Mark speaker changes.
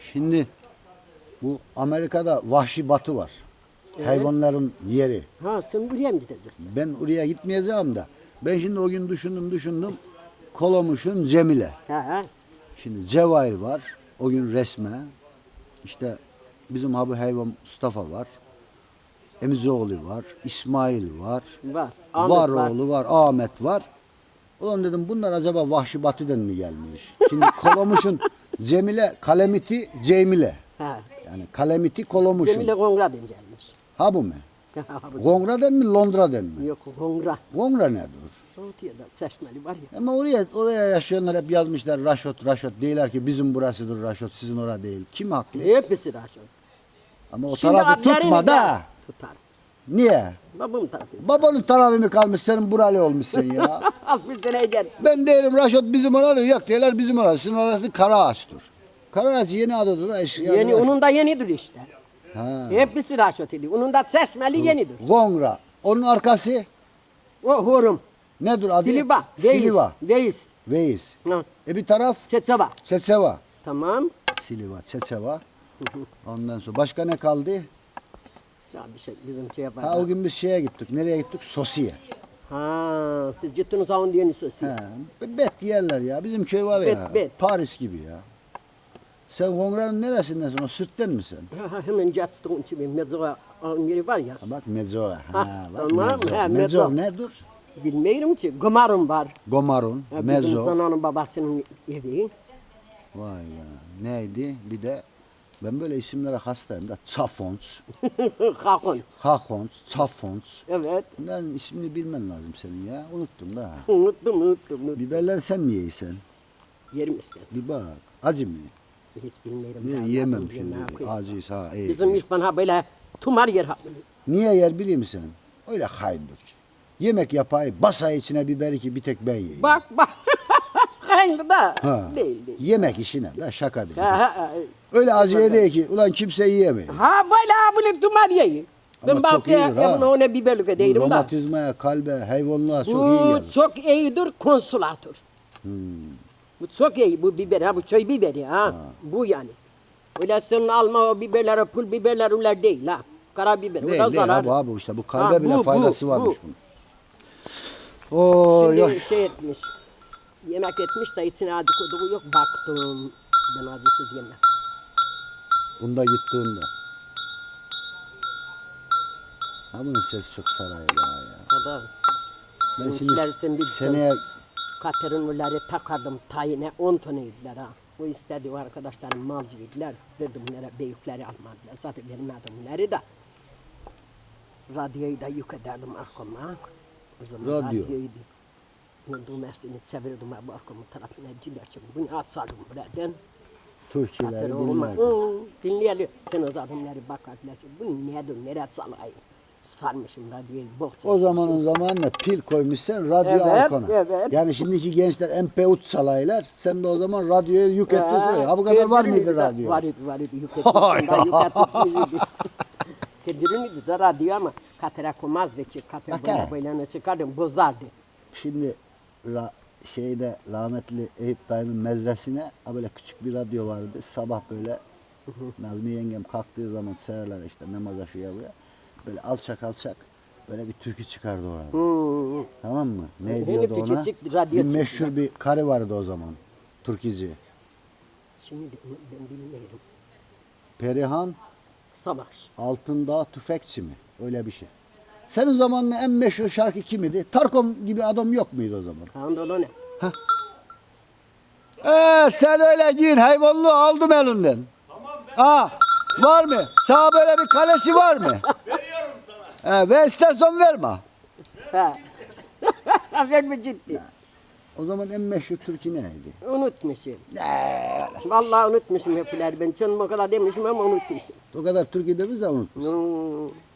Speaker 1: Şimdi bu Amerika'da Vahşi Batı var.
Speaker 2: Evet.
Speaker 1: Hayvanların yeri.
Speaker 2: Ha sen buraya mı gideceksin?
Speaker 1: Ben oraya gitmeyeceğim de. Ben şimdi o gün düşündüm. Kolomuş'un Cemile.
Speaker 2: Ha.
Speaker 1: Şimdi Cevahir var. O gün resme. İşte bizim abi hayvan Mustafa var. Emizoğlu var. İsmail var.
Speaker 2: Var.
Speaker 1: Varoğlu var. Ahmet var. Ulan dedim bunlar acaba Vahşi Batı'dan mı gelmiş? Şimdi Kolomuş'un Cemile, Kalemiti, Cemile.
Speaker 2: Ha.
Speaker 1: Yani Kalemiti Kolomuş'un.
Speaker 2: Cemile Kongra'dan gelmiş.
Speaker 1: Ha bu mu? Kongra'dan mı Londra'dan mı?
Speaker 2: Yok Kongra.
Speaker 1: Kongra nedir?
Speaker 2: Otiyada Seçmeli var ya.
Speaker 1: Ama oraya yaşayanlar hep yazmışlar Raşot. Değiller ki bizim burasıdır Raşot, sizin orada değil. Kim haklı?
Speaker 2: Hepsi Raşot.
Speaker 1: Ama o
Speaker 2: Şimdi
Speaker 1: tarafı
Speaker 2: adlarını
Speaker 1: tutma da.
Speaker 2: tutar.
Speaker 1: Niye?
Speaker 2: Babam tarafı.
Speaker 1: Babanın tarafı mı kalmış, senin buralı olmuşsun ya.
Speaker 2: 60 seneye gelsin.
Speaker 1: Ben derim Raşot bizim oradır. Yok değiller bizim orası. Sizin orası Karaağaç'tır. Karaağaç yeni adıdır. Eski
Speaker 2: Yeni,
Speaker 1: adı.
Speaker 2: onun da yenidir işte.
Speaker 1: Ha.
Speaker 2: Hepsi Raşot idi. Onun da Seçmeli yenidir.
Speaker 1: Kongra. Onun arkası
Speaker 2: O Horum.
Speaker 1: nedir adı?
Speaker 2: Siliva. Veys.
Speaker 1: Siliva.
Speaker 2: Veys.
Speaker 1: Veys.
Speaker 2: Ha.
Speaker 1: Bir taraf
Speaker 2: Çetsava.
Speaker 1: Çeçeva.
Speaker 2: Tamam.
Speaker 1: Siliva, Çeçeva. Ondan sonra başka ne kaldı?
Speaker 2: Ya bir şey bizim şey yapar.
Speaker 1: Ha o gün biz şeye gittik. Nereye gittik? Sosiye.
Speaker 2: Ha, siz gittiniz onun diyeni sosyal.
Speaker 1: He. Bet yerler ya. Bizim köy var ya.
Speaker 2: Bet.
Speaker 1: Paris gibi ya. Sen Kongra'nın neresindensin? O Sırt'tan mısın?
Speaker 2: Hemen cattığın için mezara onun yeri var ya.
Speaker 1: Ha, bak Mezzo. Ha,
Speaker 2: Ha,
Speaker 1: bak
Speaker 2: tamam.
Speaker 1: Mezzo.
Speaker 2: Ha,
Speaker 1: Mezzo
Speaker 2: Mezzo.
Speaker 1: nedir?
Speaker 2: Bilmiyorum ki. Gomarım var.
Speaker 1: Gomarun,
Speaker 2: Ha, bizim
Speaker 1: Mezzo.
Speaker 2: zananın babasının evi.
Speaker 1: Vay ya. Neydi? Bir de ben böyle isimlere hastayım da. Çafons,
Speaker 2: Hakon.
Speaker 1: Hakons, Çafons.
Speaker 2: Evet.
Speaker 1: Bunların ismini bilmen lazım senin ya. Unuttum da.
Speaker 2: Unuttum.
Speaker 1: Biberleri sen mi yiysen?
Speaker 2: Yerim işte.
Speaker 1: Bir bak. Acı mı?
Speaker 2: Hiç bilmiyorum.
Speaker 1: Niye
Speaker 2: Ben
Speaker 1: yemem
Speaker 2: bakın
Speaker 1: şimdi?
Speaker 2: ne yapayım.
Speaker 1: Acıysa ha iyi.
Speaker 2: Bizim iş bana böyle tumar yer ha.
Speaker 1: Niye yer biliyor musun? Öyle hayndır. Yemek yapayım, basay içine biberi ki bir tek ben yiyeyim.
Speaker 2: Bak. Aynı da.
Speaker 1: Ha.
Speaker 2: Değil.
Speaker 1: Yemek işine. La şaka değil.
Speaker 2: Ha.
Speaker 1: Öyle acıya değil ki. Ulan kimse yiyemiyor.
Speaker 2: Ha böyle bunu tumar yeyi.
Speaker 1: Ama
Speaker 2: Ben
Speaker 1: çok iyidir ha.
Speaker 2: bakıyorum ona biberlik
Speaker 1: Bu
Speaker 2: değilim da.
Speaker 1: romatizmaya, kalbe, hayvanlığa çok iyi
Speaker 2: Bu
Speaker 1: gelir.
Speaker 2: çok iyidir konsulatör. Bu çok iyi bu biber ha bu çay biberi ha. Bu yani. Öyle senin alma o biberleri pul biberler öyle değil ha. Karabiber o da
Speaker 1: Değil değil
Speaker 2: zarar.
Speaker 1: abi işte bu kalbe
Speaker 2: Ha,
Speaker 1: bile
Speaker 2: bu,
Speaker 1: faydası
Speaker 2: bu,
Speaker 1: varmış
Speaker 2: bu.
Speaker 1: bunun. Oy
Speaker 2: Şimdi
Speaker 1: oy.
Speaker 2: şey etmiş. Yemek etmiş de içine acı koyduğu yok baktım. Ben acısız yemem.
Speaker 1: Bunda gittiğinde. Ha bunun sesi çok sarıyor ya.
Speaker 2: Kadar.
Speaker 1: Ben
Speaker 2: Bizimkiler sen
Speaker 1: şimdi
Speaker 2: bilsen.
Speaker 1: seneye
Speaker 2: Katerinleri takardım tayine 10 tane yediler ha. Bu istedi o arkadaşlarım malcı yediler. Verdim bunlara büyükleri almadılar. Zaten benim adımları da. Radyoyu da yük ederdim arkama. O zaman
Speaker 1: Radyo.
Speaker 2: radyoyu da. Dumestini çevirdim bu arkamın tarafına cilerçim. Bunu atsardım buradan.
Speaker 1: Türkçeleri
Speaker 2: Katerinleri
Speaker 1: dinlerdim.
Speaker 2: dinleyelim. Sen o adımları bakardılar. Bu nedir, nereye salayım? Sarmışım radyoyu.
Speaker 1: O zamanın zamanında pil koymuşsun radyo
Speaker 2: Evet,
Speaker 1: arkana.
Speaker 2: evet.
Speaker 1: Yani şimdiki gençler MP3 salaylar. Sen de o zaman radyoyu yük ettin buraya. Ha bu kadar var mıydı radyo?
Speaker 2: Var idi. Yük etmiştim. Kedirin de radyo ama katera koymazdı ki. Kater böyle çıkardım bozardı.
Speaker 1: Şimdi şeyde rahmetli Eyüp dayımın mezresine böyle küçük bir radyo vardı. Sabah böyle Nazmi yengem kalktığı zaman seherler işte namaza şuya buraya. Böyle alçak böyle bir türkü çıkardı orada. Tamam mı? Ne
Speaker 2: Henüz
Speaker 1: diyordu ona?
Speaker 2: küçücük radyo
Speaker 1: Bir
Speaker 2: çıktı.
Speaker 1: meşhur bir karı vardı o zaman. Türkücü.
Speaker 2: Şimdi ben bilmiyorum.
Speaker 1: Perihan
Speaker 2: Savaş.
Speaker 1: Altındağ Tüfekçi mi? Öyle bir şey. Senin zamanın en meşhur şarkı kimidi? Tarkom gibi adam yok muydu o zaman?
Speaker 2: Anadolu ne?
Speaker 1: Sen öyle giyin hayvanlığı aldım elinden. Tamam var mı? Sana böyle bir kalesi var mı?
Speaker 3: Veriyorum sana.
Speaker 1: Ver istersen verme.
Speaker 2: Ha. Verme ciddi.
Speaker 1: O zaman en meşhur türkü neydi?
Speaker 2: Unutmuşum. Vallahi unutmuşum hepler. Ben canım o kadar demişim ama unutmuşum.
Speaker 1: O kadar türkü de biz de unutmuşuz.